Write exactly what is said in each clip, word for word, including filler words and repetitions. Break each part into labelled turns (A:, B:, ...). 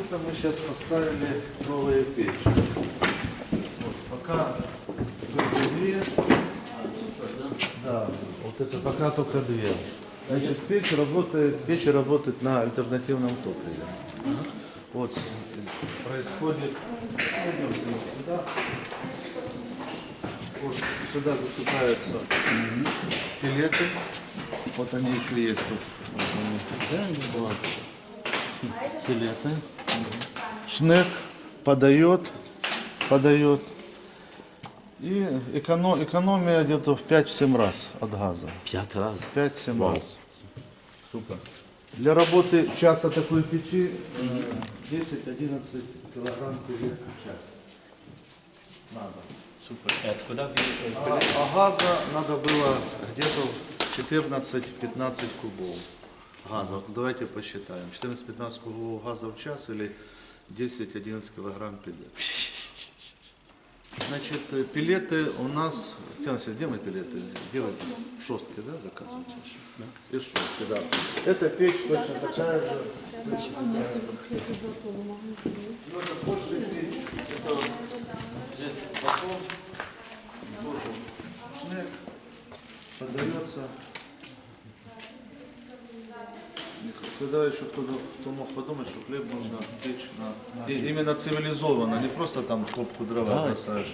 A: Это мы сейчас поставили новые печи. Вот, пока только две. Да, вот это пока только две. Значит, печь работает, печь работает на альтернативном топливе. Вот происходит. Пойдемте вот сюда. Вот сюда засыпаются пилеты. Вот они еще есть тут. Вот. Пилеты. Шнек подает, подает. И эконом, экономия где-то в пять-семь раз от газа.
B: Пять раз.
A: пять-семь раз.
B: Супер.
A: Для работы часа такой печи десять-одиннадцать килограмм пилет в час. Надо.
B: Супер. И откуда вы...
A: А, а газа надо было где-то четырнадцать-пятнадцать кубов газа. Вот давайте посчитаем. четырнадцать-пятнадцать кубов газа в час или десять-одиннадцать килограмм пилет. Значит, пилеты у нас... Тянься, где мы пилеты? Где вы? Шостки, да, заказываете? И шостки, да. Это печь точно такая же. Ну, это больше печь. Это здесь потом тоже шнек подается. Когда еще кто-то кто мог подумать, что хлеб можно печь на... И именно цивилизованно, не просто там в топку дрова
B: Да,
A: бросаешь.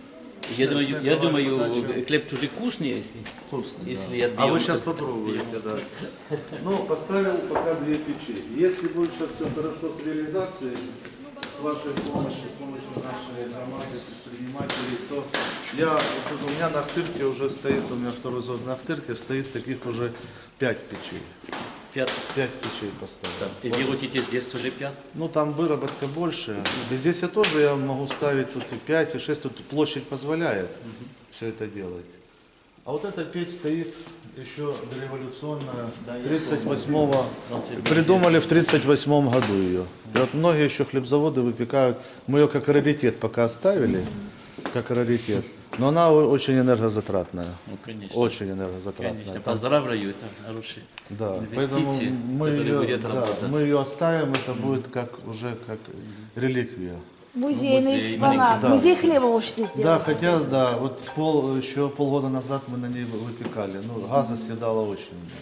B: Я думаю,
A: Шнек,
B: я
A: давай,
B: думаю
A: подача.
B: хлеб тоже вкусный, если...
A: Вкусно,
B: Если
A: да.
B: я
A: А вы
B: бьем,
A: сейчас
B: то-
A: попробуете, да. Ну, поставил пока две печи. Если будет сейчас все хорошо с реализацией, с вашей помощью, с помощью нашей громады, предпринимателей, то я, вот у меня на Ахтырке уже стоит, у меня второй зод на Ахтырке стоит таких уже пять печей.
B: Пять.
A: Пять печей поставил.
B: И вы работаете здесь тоже пять?
A: Ну, там выработка больше. Здесь я тоже я могу ставить тут и пять, и шесть, тут площадь позволяет все это делать. А вот эта печь стоит еще дореволюционная,
B: Да, я
A: тридцать восьмого,
B: помню.
A: придумали в тридцать восьмом году ее. И вот многие еще хлебзаводы выпекают, мы ее как раритет пока оставили, как раритет, но она о- очень энергозатратная,
B: Ну, конечно.
A: очень энергозатратная.
B: Конечно. Поздравляю, это хороший.
A: Да, поэтому
B: инвестиции,
A: мы
B: которые
A: ее,
B: будет
A: да,
B: работать.
A: мы ее оставим, это будет как уже как реликвия.
C: Музейный
B: музей,
C: экспонат.
A: маленький, да.
C: Музей хлеба можете сделать.
A: Да, хотя, да, вот пол, еще полгода назад мы на ней выпекали, ну, газа съедала очень много.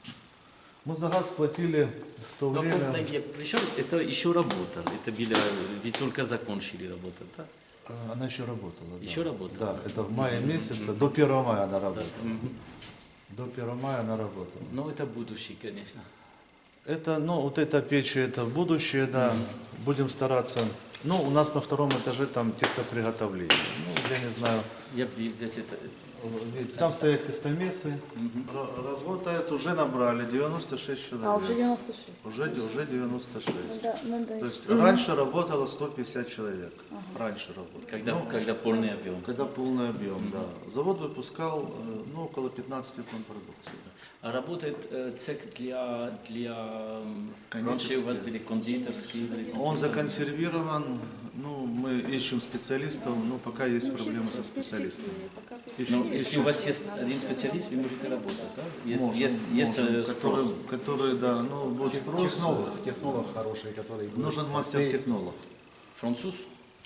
A: Мы за газ платили в то
B: Но
A: время...
B: когда я пришел, это еще работало. Это было, вы только закончили работать, да?
A: А, Она еще работала. Да.
B: Еще работала?
A: Да, это в мае месяце, до первого мая она работала. До первого мая она работала.
B: Но это будущее, конечно.
A: Это, ну, вот эта печь, это будущее, да, будем стараться. Ну, у нас на втором этаже там тестоприготовление. Ну, я не знаю,
B: Я би- здесь это...
A: там стоят тестомесы, Ра- работают, уже набрали девяносто шесть человек.
C: А, уже девяносто шесть.
A: Уже, уже девяносто шесть.
C: Да, надо
A: То есть
C: искать.
A: раньше работало сто пятьдесят человек. Раньше работало.
B: Когда,
A: Ну,
B: когда полный объем.
A: когда полный объем, да. Завод выпускал э, ну, около пятнадцати тонн продукции.
B: А работает э, цех для, для... м, Раньше у вас были кондитерские... были-
A: Он законсервирован, ну, мы ищем специалистов, но пока есть проблемы со специалистами. Ищем,
B: Но если у вас есть один специалист, вы можете работать, да? Есть,
A: можем,
B: есть, есть
A: можем,
B: э, спрос.
A: который, который, да, ну, будет спрос.
D: Технолог, технолог хороший, который... будет
A: Нужен мастер-технолог.
B: Француз?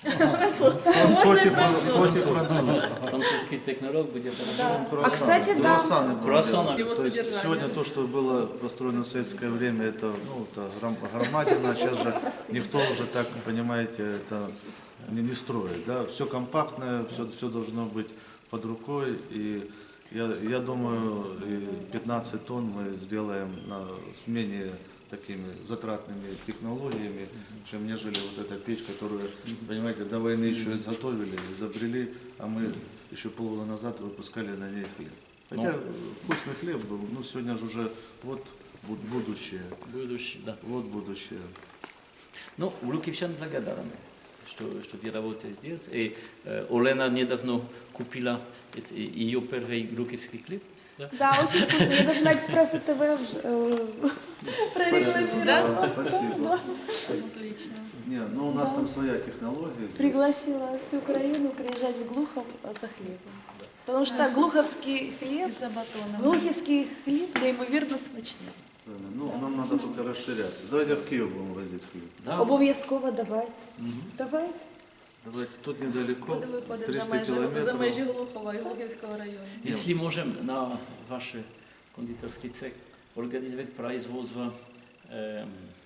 A: Он хоть и фран- хоть и француз.
B: Французский технолог будет работать.
C: А, кстати, да.
A: Круассаны будем
B: Круассаны.
A: делать. То есть сегодня то, что было построено в советское время, это, ну, это гром- громадина. Сейчас же никто уже так, понимаете, это не, не строит. Да? Все компактное, все, все должно быть под рукой. И я, я думаю, и пятнадцать тонн мы сделаем на, с менее такими затратными технологиями, чем нежели вот эта печь, которую, понимаете, до войны еще изготовили, изобрели, а мы еще полгода назад выпускали на ней хлеб. Хотя вкусный хлеб был, ну сегодня же уже вот бу- будущее,
B: Будущее, да.
A: вот будущее.
B: Ну, Лукивчан благодарны, что, что вы работаете здесь. И э, Олена недавно купила э, ее первый лукивский хлеб. Да?
C: Да, очень вкусно. Я даже на Экспресс ТВ э, прорекламировала.
A: Спасибо.
E: Отлично.
A: Не, ну у нас там своя технология. здесь.
C: Пригласила всю Украину приезжать в Глухов за хлебом. Потому что глуховский хлеб,
E: За батоном.
C: глуховский хліб неймовірно смачний.
A: Правильно. Ну, нам надо только расширяться. Давайте в Киев будем возить хлеб.
B: Да.
C: Обов'язково давайте. Давайте.
A: Давайте, тут недалеко,
E: Куди виходить за
A: триста
E: межі, за
A: километров.
E: межі Глухова і Глухівського району?
B: Если можем на ваш кондитерский цех организовать производство э,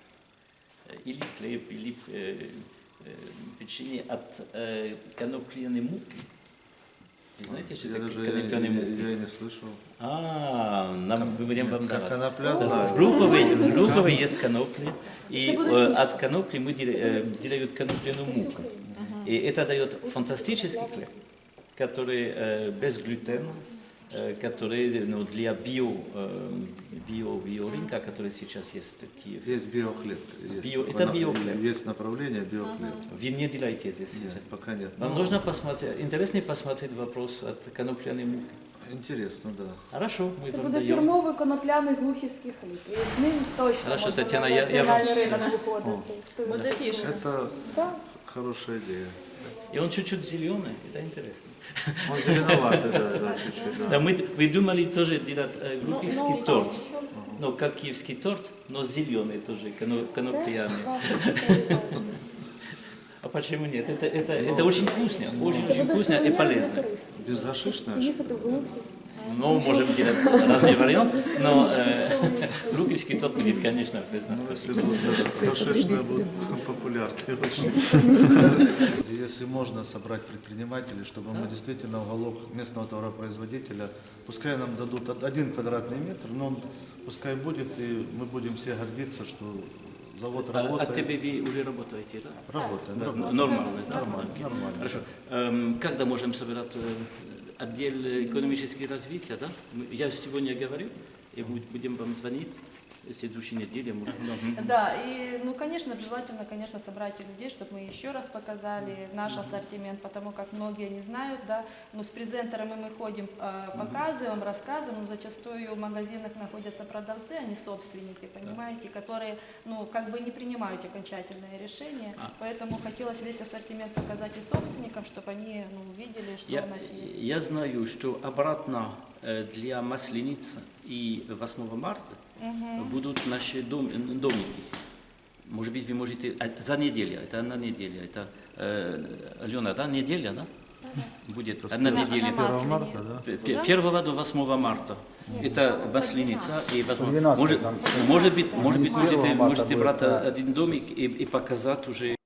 B: или хлеб, или э, э, печенье от э, конопляной муки. Вы знаете, что
A: Я
B: это
A: даже я,
B: конопляная
A: я,
B: муки?
A: я и не слышал.
B: А, нам, мы будем вам
A: Как
B: давать.
A: конопля,
B: В
A: да.
B: Глухове, в Глухове есть конопли, и
C: Это будет
B: э,
C: фишка.
B: от конопли мы дел- э, делают конопляную муку. И это дает фантастический хлеб, который э, без глютена, э, который ну, для био, э, био, биорынка, который сейчас есть в Киеве.
A: Есть биохлеб. Есть,
B: Био-
A: такое
B: это
A: на-
B: биохлеб.
A: Есть направление биохлеб.
B: Вы не делаете здесь
A: Нет,
B: сейчас.
A: пока нет.
B: Вам
A: Ну,
B: нужно посмотреть, интересно посмотреть вопрос от конопляной муки.
A: Интересно, да.
B: Хорошо, мы
C: Це
B: вам
C: буде
B: даем.
C: фірмовий конопляний глухівський хліб. І з ним точно
B: Хорошо,
C: можна
B: Тетяна,
C: на
B: я- я вам-
C: національний ринок виходити.
E: Буде фішка.
A: Это
C: Так.
A: хорошая идея.
B: И он чуть-чуть зеленый, это интересно.
A: Он зеленоватый, да, да, чуть-чуть.
B: Да,
A: Да.
B: мы придумали тоже делать э,
C: Ну,
B: глухівский
C: ну,
B: торт.
C: нічого.
B: Ну, как киевский торт, но зеленый тоже, коно- конопляный.
C: Ваша спеціалізація.
B: А почему нет? Это, это, это очень вкусно, очень,
C: Це
B: очень
C: буде
B: вкусно и
C: сувенірно
B: полезно.
C: корисно.
A: Безгашишная?
C: Їхати в Глухів.
B: Ну, можем делать разные варианты, но э, глухівский торт будет, конечно, вкусно.
A: Ну, если будет гашишная, будет популярной очень. Если можно собрать предпринимателей, чтобы мы действительно уголок местного товаропроизводителя, пускай нам дадут од- один квадратный метр, но он пускай будет, и мы будем все гордиться, что завод
B: А, а
A: работает.
B: тебе вы уже работаете, да?
A: Работает,
B: Да,
A: да?
B: Нормально, да?
A: Нормально,
B: Окей.
A: нормально.
B: Хорошо. Эм, когда можем собирать э, отдел экономического развития, да? Мы- Я сегодня говорю, и буд- будем вам звонить, в следующей неделе. может, да. Мгм.
E: Да, и, ну, конечно, желательно, конечно, собрать людей, чтобы мы еще раз показали наш ассортимент, потому как многие не знают, да, но с презентерами мы ходим, э, показываем, рассказываем, но зачастую в магазинах находятся продавцы, они собственники, понимаете, которые, ну, как бы не принимают окончательное решение,
B: А.
E: поэтому хотелось весь ассортимент показать и собственникам, чтобы они, ну, увидели, что
B: Я,
E: у нас есть.
B: я знаю, что обратно э, для Масленицы и восьмого марта будут наши дом, домики. Может быть, вы можете... а, За неделю, это одна неделя. Это, э, Алена, да, неделя, да? Будет одна
A: С
B: неделя.
A: первого марта, да?
B: П- первого до восьмого марта. Это Масленица и восьмого.
D: двенадцатого,
B: Может,
D: там.
B: может быть, может быть,
D: с первого
B: можете,
D: марта
B: можете
D: будет,
B: брать
D: да.
B: один домик и, и показать уже